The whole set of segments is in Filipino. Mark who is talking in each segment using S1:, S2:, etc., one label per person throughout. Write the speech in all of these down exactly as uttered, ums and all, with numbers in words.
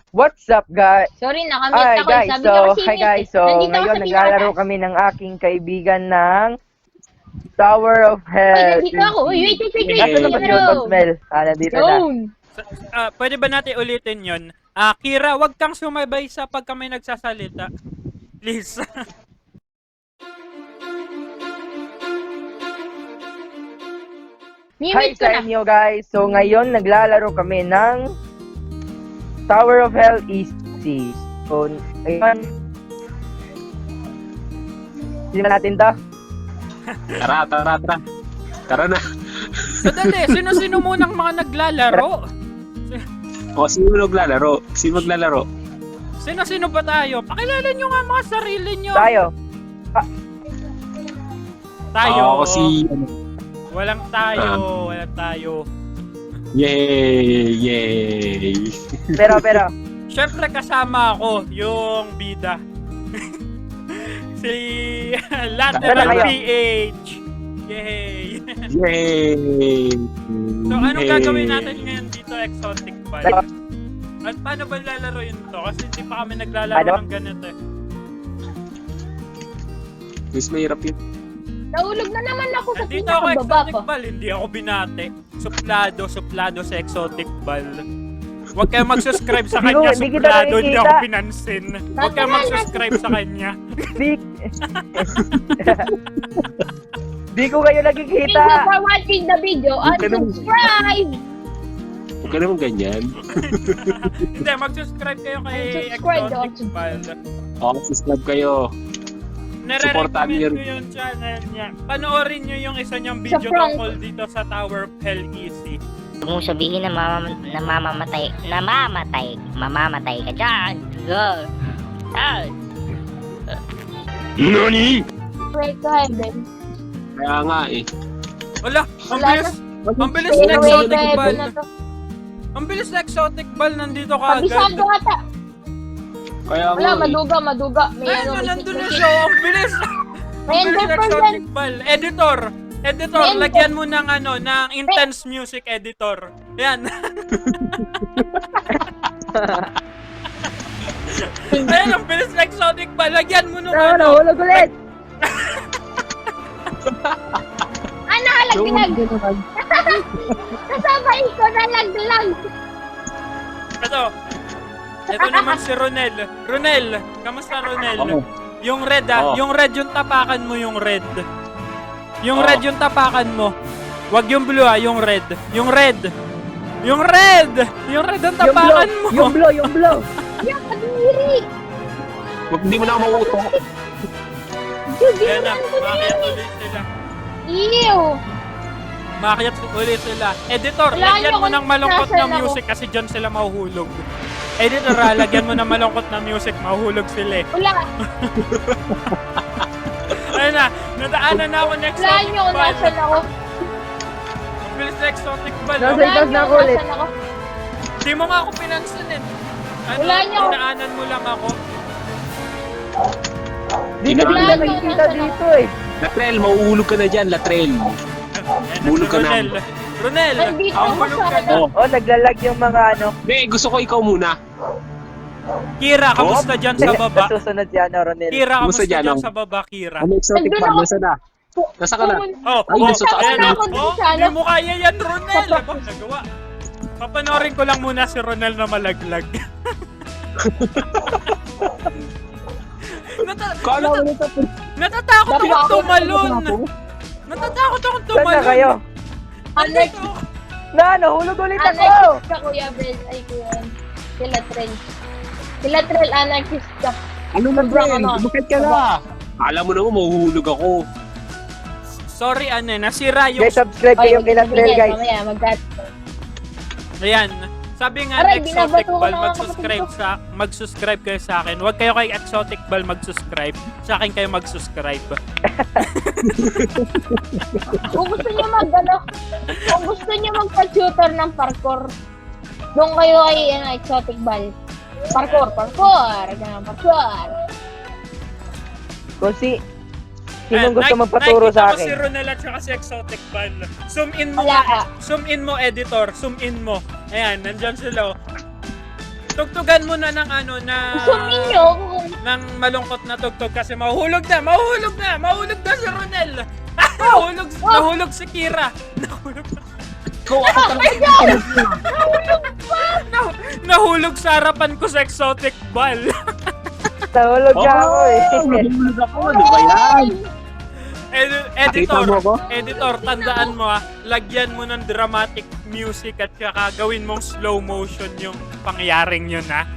S1: What's up, guys?
S2: Sorry, nakamute
S1: Hi,
S2: ako.
S1: guys.
S2: Sabi
S1: So,
S2: niya kasi
S1: hi,
S2: mute
S1: guys.
S2: eh.
S1: So,
S2: Nandito ako
S1: ngayon,
S2: sa
S1: naglalaro
S2: pinaka-taas.
S1: kami ng aking kaibigan ng Tower of
S2: Uy,
S1: Hell.
S2: nandito ako. Uy, wait, wait, wait, wait.
S1: Nasaan naman si Robot Smell? Ah, nandito na.
S2: Yun.
S3: Sa- ah, pwede ba natin ulitin yon? Ah, Kira, wag kang sumabay sa pag kami nagsasalita. Please.
S1: Hi
S2: Mimit ko
S1: sa
S2: na.
S1: inyo, guys. So, ngayon, naglalaro kami ng Tower of Hell Easy. So, ngayon, hindi na natin to.
S4: Tara, tara, tara. Tara na.
S3: Sadali, sino-sino munang mga naglalaro?
S4: O, sino maglalaro? Sino maglalaro?
S3: Sino-sino ba tayo? Pakilala nyo nga mga sarili nyo.
S1: Tayo.
S3: Tayo.
S4: Ako si... ano,
S3: Walang tayo. Walang tayo.
S4: Yay! Yay!
S1: Pero, pero,
S3: Siyempre kasama ako, yung bida. si Lateral
S1: Tara
S3: P H. Yay!
S4: Yay!
S3: So, anong
S4: Yay!
S3: gagawin natin ngayon dito, Exotic Ball?
S1: pero,
S3: At paano ba lalaroin to? Kasi hindi pa kami naglalaro
S1: Ano?
S3: ng ganito eh.
S4: Mas mahirap yun.
S2: Nahulog na naman ako sa
S3: Nandito ako,
S2: pinakababa
S3: Exotic
S2: ko.
S3: Ball. Hindi ako binate. Suplado, suplado sa Exotic Ball. Huwag kayong mag-subscribe sa
S1: Hindi
S3: kanya,
S1: ko- hindi kita
S3: suplado, hindi
S1: nakikita.
S3: ako pinansin. Huwag kayong mag-subscribe sa kanya.
S1: di... Di ko kayo
S2: Thank
S1: nakikita.
S2: you for watching the video and
S4: Huwag ka naman-
S2: subscribe!
S4: Huwag ka naman ganyan.
S3: Hindi, mag-subscribe kayo kay
S2: Subscribe,
S3: Exotic Ball.
S4: O, subscribe kayo. Supportan
S3: Nare-recommend
S4: niyo.
S3: ko yung channel niya. Panoorin niyo yung isa niyang
S2: Sa
S3: video
S2: prank.
S3: tungkol dito sa Tower of Hell Easy.
S5: Huwag mong sabihin na mamam namamatay, namamatay, mamamatay ka dyan. Go. Ah.
S4: Nani?
S2: Pray to heaven.
S4: Kaya nga eh.
S3: Wala, ang
S2: Wala
S3: bilis. Ang bilis
S2: Pray
S3: na
S2: to
S3: Exotic
S2: heaven
S3: Ball.
S2: na to.
S3: Ang bilis na Exotic Ball nandito ka
S2: Kabisado
S3: agad.
S2: ata.
S4: Kaya
S2: Wala,
S4: nga eh.
S2: maduga, maduga. May
S3: Ay,
S2: ano,
S3: na,
S2: may
S3: nandun na
S2: secret.
S3: siya. Ang bilis.
S2: May
S3: Ang bilis na
S2: ender pearl
S3: Exotic
S2: yan.
S3: Ball. Editor. Editor,
S2: May ender-
S3: lagyan mo ng ano, ng intense music editor. Yan. Ayun, ang bilis na Exotic Ball. Lagyan mo nung
S1: No,
S3: ano.
S1: nahulog ulit.
S2: Ah, nakalaglag. Kasabay ko, nalaglag.
S3: Ito. Ito naman si Ronel. Ronel, kamusta Ronel?
S4: Oo.
S3: Yung red ah,
S4: Oo.
S3: yung red yung tapakan mo yung red. Yung
S4: Oo.
S3: red yung tapakan mo. Wag yung blue ah, yung red. Yung red. Yung red! Yung red ang
S1: Yung blow,
S3: tapakan mo.
S1: yung blow, yung blow.
S2: Yung kadiri.
S4: Huwag hindi mo na ako mauto.
S3: Yan na, makiat ulit sila.
S2: Ew.
S3: Makiat ulit sila. Editor,
S2: Wala
S3: lagyan
S2: niyo
S3: mo
S2: kung
S3: ng malungkot na
S2: nasaan ako.
S3: music kasi dyan sila mahuhulog. Editor ah, lagyan mo ng malungkot na music, mahuhulog sila eh.
S2: Wala.
S3: Ayun na, nadaanan na ako next
S2: Wala niyo kung nasan ako.
S3: Ang bilis na Exotic Ball.
S1: Nasa
S3: oh.
S2: Wala
S1: itas
S2: niyo
S1: na ako
S2: kung
S1: ulit.
S2: nasan ako.
S3: Di mo nga ako pinansin eh. Ano,
S2: Wala niyo.
S3: dinaanan mo lang ako.
S1: Di ko
S4: Wala
S1: sila
S2: niyo
S1: nakikita
S2: nasa-
S1: dito eh.
S4: Latrell, mauulog ka na dyan, Latrell.
S3: Ayan na
S4: Hulog
S3: si
S4: ka na.
S3: Ronel. Ronel,
S2: Nandito
S3: ang
S2: ako
S3: hulog
S2: sa
S3: ka na.
S4: Oh.
S1: Oh, naglalag yung mga ano.
S4: Hindi, gusto ko ikaw muna.
S3: Kira, kamusta dyan sa baba?
S1: Susunod si ano, Ronel.
S3: Kira,
S4: Kamusta
S3: kamusta
S4: dyan,
S3: dyan
S4: oh?
S3: sa baba, Kira?
S4: Ano exotic
S2: Nandun
S4: pa?
S2: ako.
S4: Nasa na? Nasa ka na?
S3: Oh,
S4: Ay,
S3: oh,
S4: nasa taas
S3: ayan,
S4: na.
S3: oh,
S2: ako dun
S3: oh,
S2: sa ano.
S3: di mo kaya yan, Ronel. Aba, nagawa. Papanorin ko lang muna si Ronel na malaglag. Nata
S4: Kala mo
S3: nata
S4: nito.
S3: natatakot
S2: Dapat
S3: akong
S2: ako
S3: tumalon. Natatakot akong
S1: Saan na
S3: tumalon.
S1: kayo?
S2: Anarch.
S3: Nandito.
S1: Na, nahulog ulit ako.
S2: Anarchist ka, Kuya Brel. Ay, Kuya. Sila Trell. Sila Trell, anarchist ka.
S4: Ano na,
S2: Sobrang
S4: Brel?
S2: ano.
S4: Bakit ka na? Alam mo naman, mahuhulog ako.
S3: Sorry, ano, eh, nasira yung...
S1: Guys, subscribe kayo kay Latrell, guys.
S2: Mamaya, magkat.
S3: Ayan. Sabi nga
S2: Aray,
S3: Exotic
S2: binabato ko
S3: Ball,
S2: na ako
S3: mag-subscribe
S2: kapatid
S3: sa mag-subscribe kayo sa akin. Huwag kayo kay Exotic Ball mag-subscribe. Sa akin kayo mag-subscribe.
S2: Kung gusto niyo mag, ano, kung gusto niyo magpa-tutor ng parkour, doon kayo ay, ano, exotic ball. Parkour, parkour, ganun, parkour.
S1: Kung si...
S3: Ayan,
S1: Sinong gusto
S3: nak-
S1: magpaturo sa
S3: nakikita ko si
S1: akin?
S3: Ronel at saka si Exotic Ball. Zoom in mo
S2: Wala
S3: nga.
S2: ka.
S3: Zoom in mo, editor. Zoom in mo. Ayan, nandyan sila. oh. tugtugan mo na ng ano, na...
S2: Gusto ninyo kung
S3: ng malungkot na tugtog kasi mahuhulog na, mahuhulog na, mahuhulog na si Ronel. nahulog, nahulog si Kira. Nahulog na.
S4: Ikaw ako talaga.
S3: Nah, nahulog sa harapan ko sa exotic ball.
S1: Nahulog ka ako eh.
S4: Nahulog ako. Ano ba yan?
S3: Ed-
S4: Nakita
S3: editor,
S4: mo ako?
S3: editor, tandaan mo ah, lagyan mo ng dramatic music at saka gawin mong slow motion yung pangyaring yun ha.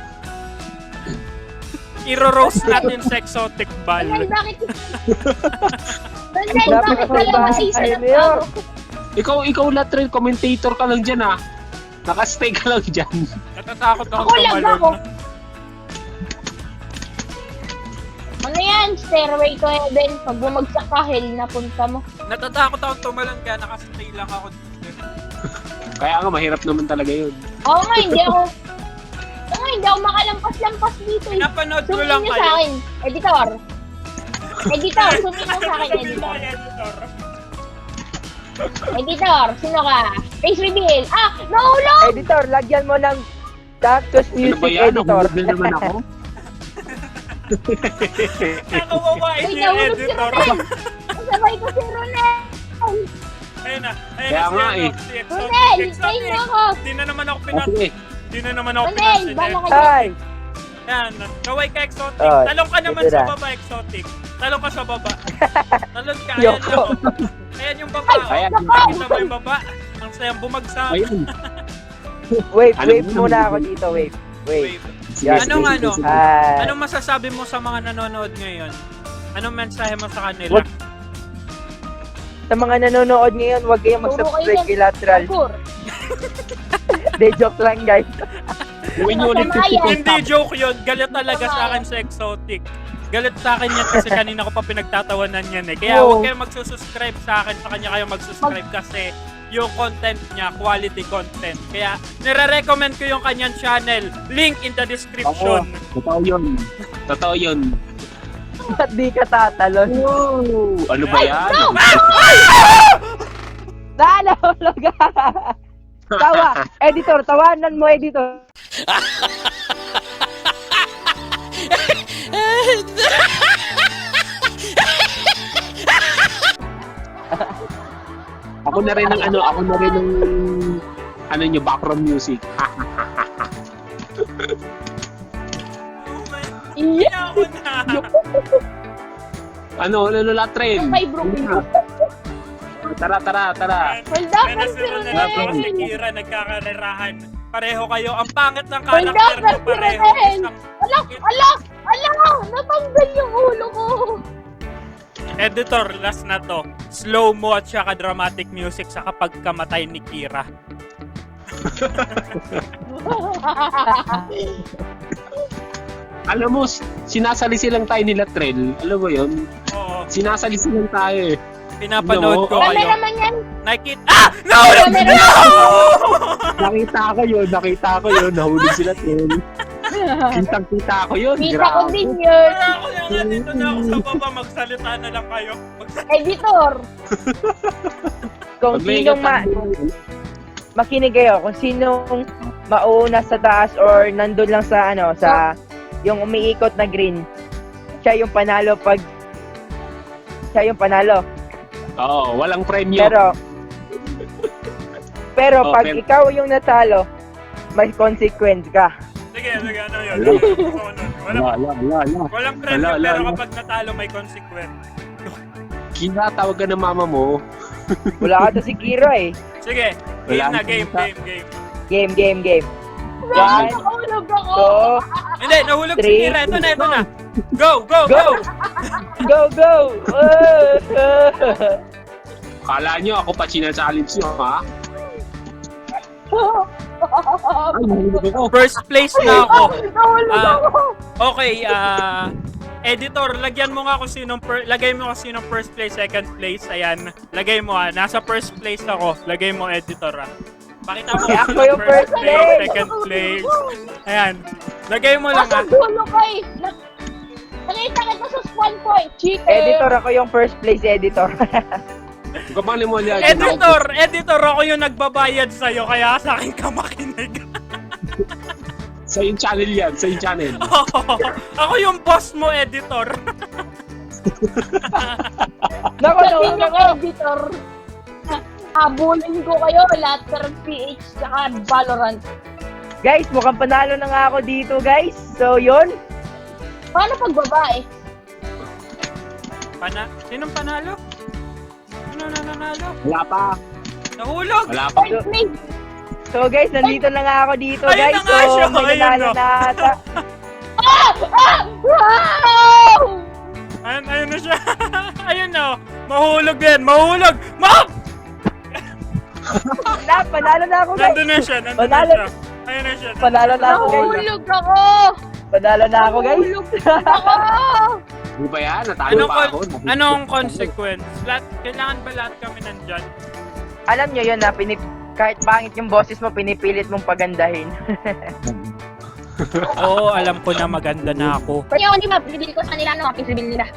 S3: Iro-roast natin sa exotic ball.
S2: Ronel, bakit? Ronel,
S1: Dapat
S2: bakit dalawa sa isa
S1: ay,
S2: lang
S1: Leo.
S2: tao?
S4: Ikaw, ikaw latril, commentator ka lang dyan ah. Nakastay ka lang dyan.
S3: Natatakot ako
S2: Ako lang
S3: tumalon.
S2: ako. Ano yan? Stairway to Heaven. Pag bumagsak ka, hell na punta mo.
S3: Natatakot ako tumalon kaya nakastay lang ako dito.
S4: Kaya nga, mahirap naman talaga yun.
S2: Oo nga, hindi ako... Oo nga, hindi ako makalampas-lampas dito eh.
S3: Pinapanood ko
S2: Sumingin
S3: lang
S2: nyo
S3: kayo.
S2: sa akin. Editor. Editor, sumingin mo sa akin,
S3: Sabi mo
S2: editor.
S3: kay editor.
S2: Editor, sino ka? Face reveal. Ah, nahulog!
S1: Editor, lagyan mo ng Cactus
S4: Ano
S1: Music
S4: ba yan?
S1: Editor.
S4: Nahulog na naman ako.
S3: Nakawawa
S2: Uy,
S3: si
S2: nahulog si
S3: editor.
S2: Ronel. Kasabay ko si Ronel.
S3: Ayun na. Ayun
S4: Kaya
S3: na
S4: nga
S3: si,
S4: eh.
S3: ano, si exotic.
S2: Ronel,
S3: Exotic.
S2: tayo mo ako.
S3: Di na naman ako
S4: O
S3: pinas...
S4: sige.
S3: Di na naman ako
S2: Ronel,
S3: pinansin.
S2: bala ka
S1: Hi!
S3: Yan. Kaway ka exotic.
S1: Oh,
S3: Talong ka naman
S1: ito
S3: sa
S1: na.
S3: baba exotic. Talong ka sa baba. Talon ka. Ayan
S1: Yoko.
S3: lang. oh. Ayan yung baba. oh.
S4: Ayan.
S3: Nakita mo yung baba. Ang sayang bumagsak.
S4: Ayun.
S1: Wave,
S4: Ano
S1: wave
S4: mo
S1: muna
S4: naman?
S1: ako dito, wave. Wave.
S3: Wave.
S4: Sige,
S1: Yan.
S4: sige,
S3: Anong
S4: sige,
S3: ano?
S4: sige.
S1: Hi!
S3: Anong masasabi mo sa mga nanonood ngayon? Anong mensahe mo sa kanila?
S1: Wag- Sa mga nanonood ngayon, huwag kayong
S2: Turo
S1: mag-subscribe
S2: kayo
S1: kay Lateral.
S2: Parkour.
S1: De joke lang, guys.
S4: Gawin nyo ulit
S2: Masama
S4: fifty
S2: yan.
S3: Hindi joke yun. Galit talaga sa akin sa exotic. Galit sa akin yan kasi kanina ko pa pinagtatawanan yan eh. Kaya
S1: Oo.
S3: huwag kayong magsusubscribe sa akin. Sa kanya kayo magsusubscribe kasi yung content niya, quality content. Kaya nire-recommend ko yung kanyang channel. Link in the
S4: Oo.
S3: description.
S4: Totoo yun. Totoo yun.
S1: Ba't di ka tatalon?
S4: Wow! Ano ba yan?
S1: Nalahulog ka! Tawa! Editor, tawanan mo, editor.
S4: Ako na rin ang ano, ako na rin ang ano nyo, background music.
S3: Oh my
S2: Yeah.
S3: ako na.
S4: Ano, ano, latril.
S2: Kay Brooklyn.
S4: Tara, tara, tara.
S2: Hold up,
S3: Kaya na si
S2: si
S3: Ronel at
S2: Ronel.
S3: si Kira nagkakarerahan. Pareho kayo. Ang pangit ng
S2: Hold up,
S3: karakter mo
S2: si
S3: pareho.
S2: Ronel.
S3: Isang
S2: Ala, ala, ala! Natanggal yung ulo ko.
S3: editor, last na to. Slow mo at saka dramatic music sa kapag kamatay ni Kira.
S4: Alam mo, sinasalisi lang tayo nila Trell. Alam mo yun?
S3: Oo.
S4: Sinasalisi lang tayo eh.
S3: Pinapanood ko
S2: Kami
S3: kayo.
S2: naman yan.
S3: Nakita. Ah! Nahulog!
S2: Kami naman.
S4: Nakita ko yun, nakita ko yun. Nahulog sila Trell. Kitang-kita ko yun.
S2: Kita ko
S4: Grabe.
S2: din yun.
S3: Wala ako na nga dito na ako sa baba. Magsalita na lang kayo. Magsalita.
S2: Editor.
S1: Kung
S4: Pag may
S1: sinong ma...
S4: katang-
S1: Makinig kayo, kung sinong mauna sa taas or nandun lang sa ano, sa yung umiikot na green, siya yung panalo pag siya yung panalo.
S4: Oo, walang premyo.
S1: Pero pero
S4: Oh,
S1: pag
S4: pero-
S1: ikaw yung natalo, may consequence ka.
S3: Sige, sige. Ano yun? Ano yun? Gusto ko nun. Walang,
S4: Wala, wala, wala, wala.
S3: walang premyo
S4: Wala, wala,
S3: pero
S4: wala.
S3: kapag natalo may consequence.
S4: Kina, tawag ka ng mama mo.
S1: Wala ka to si Kira eh.
S3: Sige. Game
S4: Wala
S3: na.
S4: akong
S3: Game,
S4: kita.
S3: game, game.
S1: Game, game, game.
S2: Bakit
S1: One,
S2: nakahulog ako?
S1: two,
S3: Hindi, nahulog si
S1: Three.
S3: Kira. Ito na, ito na. Go, go,
S1: Go!
S3: go!
S1: go, go! Uh,
S4: Kala nyo ako pa china-challenge nyo, ha? Ay, nahulog ako.
S3: First place na ako.
S2: Nahulog
S3: Ah,
S2: ako.
S3: Okay, ah... editor, lagyan mo nga kung sinong per, lagay mo kung sinong first place, second place. Ayan. Lagay mo ah. Nasa first place ako. Lagay mo editor ah. Pakita mo
S1: Eh,
S3: kung
S1: ako
S3: sinong
S1: yung first
S3: place,
S1: place.
S3: second place. Ayan. Lagay mo lang
S2: Nasa
S3: ah.
S2: dulo ka eh. Na- Nakita kita sa spawn point. Cheater.
S1: editor ako yung first place editor.
S4: Kapali mo liyan.
S3: Editor, editor ako yung nagbabayad sa'yo kaya sa akin ka makinig.
S4: Sa yung channel yan, sa yung channel.
S3: Ako yung boss mo, editor.
S1: Nako,
S2: Sabi
S1: nahulog
S2: ng
S1: ako.
S2: editor, habulin ko kayo lahat ng P H saka Valorant.
S1: Guys, mukhang panalo na nga ako dito, guys. So, yun.
S2: Paano pag babae?
S3: Pana Sinong panalo? Sino na nanalo?
S4: Wala pa.
S3: Nahulog!
S4: Wala pa.
S2: Point me.
S1: So, guys, nandito na nga ako dito,
S3: Ayun
S1: guys.
S3: na nga
S1: So,
S3: siya,
S1: may
S3: ayun
S1: nanalo
S3: na.
S1: na ata.
S2: Ah! Ah! Wow!
S3: Ayun, ayun na siya. Ayun na. Mahulog din. Mahulog! Ma!
S1: Wala, panalo na ako, guys.
S3: Nandun na siya. Nandun na
S1: Panalo.
S3: siya. Ayun na siya.
S1: Panalo na ako, guys.
S2: Nahulog ako!
S1: Panalo na ako, guys.
S2: Nahulog ako!
S4: Di ba yan? Natalo
S3: Anong,
S4: pa
S3: con-
S4: ako.
S3: anong consequence? Lahat, kailangan ba lahat kami nandyan?
S1: Alam nyo yun na, pinip kahit pangit yung boses mo, pinipilit mong pagandahin.
S3: Oo, alam ko na maganda na ako.
S2: Kaya hindi ba, bibili ko sa nila, ano, pisibil nila.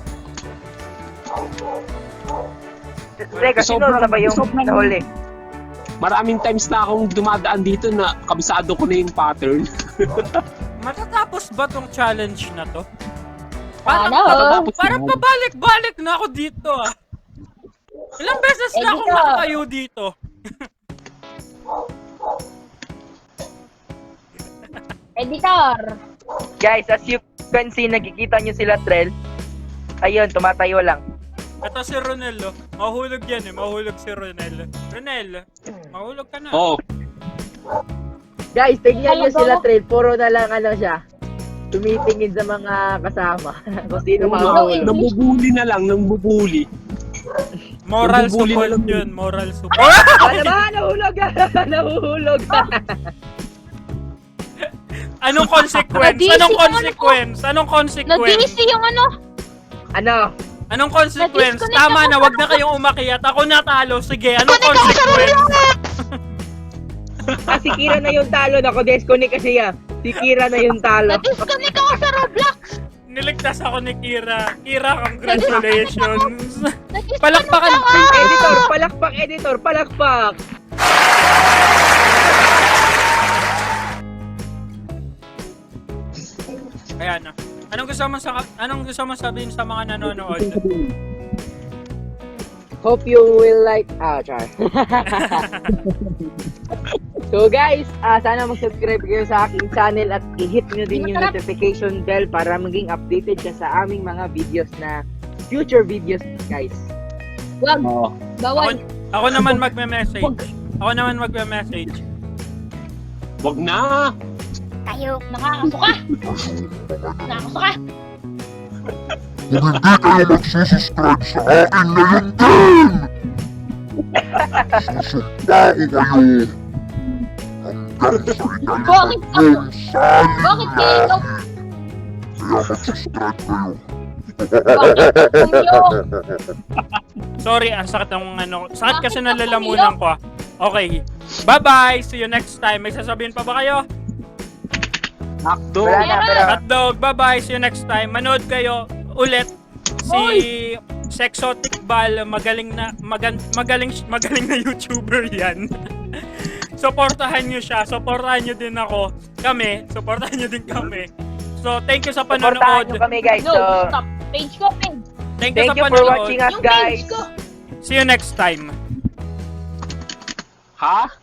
S1: Teka, sino
S4: Sobrang-
S1: na ba yung
S4: sobrang-
S1: nahuli?
S4: Maraming times na akong dumadaan dito na kabisado ko na yung pattern.
S3: Matatapos ba tong challenge na to? Parang,
S2: Ano?
S4: Matatapos
S3: parang
S4: na.
S3: pabalik-balik na ako dito ah. Ilang beses na
S2: Eh,
S3: akong
S2: dito.
S3: nakatayo dito.
S2: Editor!
S1: Guys, as you can see, nakikita nyo sila, Trell. Ayun, tumatayo lang.
S3: Ito si Ronel oh. Mahulog yan eh. Mahulog si Ronel. Ronel, mahulog ka na.
S4: Oo.
S1: Guys, tignan nyo
S2: Talaga
S1: sila,
S2: ba?
S1: Trell. Puro na lang, ano siya, tumitingin sa mga kasama. Kung sino
S4: Oh,
S1: mahuli.
S4: nambubuli na lang, nambubuli.
S3: Moral
S4: Nabubuli na
S3: support
S4: lang
S3: yun. Moral support.
S1: Ano ba? Nahulog! Nahuhulog!
S3: Anong consequence?
S2: Na-D C
S3: Anong
S2: yung ano
S3: consequence? Anong
S2: Na-D
S3: consequence?
S2: C yung ano?
S1: Ano?
S3: Anong consequence?
S2: Na-disconnect
S3: Tama
S2: ako
S3: na,
S2: sa-
S3: wag na kayong umakyat. Ako natalo. Sige, anong consequence?
S1: Ah, si Kira na yung talo. Nako, disconnect kasi yan. Si Kira na yung talo.
S2: Na-disconnect ako sa Roblox!
S3: Niligtas ako ni Kira. Kira, congratulations.
S2: Na-disconnect
S3: Palakpakan.
S2: ako!
S1: Editor, palakpak, editor, palakpak!
S3: Ayan na. Anong gusto mo sa anong gusto mo sabihin sa mga nanonood?
S1: Hope you will like... Ah, char. So guys, ah sana mag-subscribe kayo sa aking channel at i-hit nyo din yung
S2: Masarap.
S1: notification bell para maging updated ka sa aming mga videos na future videos, guys.
S2: Wag,
S4: Oo.
S2: bawal.
S3: Ako naman magme-message.
S2: Wag.
S3: Ako naman magme-message.
S4: Wag na!
S5: Tayo.
S2: Nakakasuka! Nakakasuka!
S6: Kung hindi kayo magsusubscribe sa akin ngayon din! Susumpain kayo! Hanggang sa
S2: Bakit ako?
S6: ikalawang saling
S2: Bakit kaya ikaw?
S6: Kaya mag-subscribe kayo.
S2: Bakit ako?
S3: Sorry, ang sakit ng ano. Sakit kasi nalalamunan ko ah. Okay. Bye-bye. See you next time. May sasabihin pa ba kayo?
S4: Akto!
S1: Wala na, pero...
S3: Hotdog, bye-bye. See you next time. Manood kayo ulit si Sexotic Bal. Magaling na magan, magaling magaling na YouTuber 'yan. Suportahan niyo siya. Suportahan niyo din ako. Kami, suportahan niyo din kami. So, thank you sa
S1: Supportahan
S3: panonood.
S1: nyo kami, guys.
S2: No,
S1: So,
S2: stop. Page ko, page.
S3: Thank you
S1: thank
S3: sa
S1: you for
S3: panonood.
S1: watching us,
S2: Yung
S1: guys.
S2: page ko.
S3: See you next time.
S4: Ha?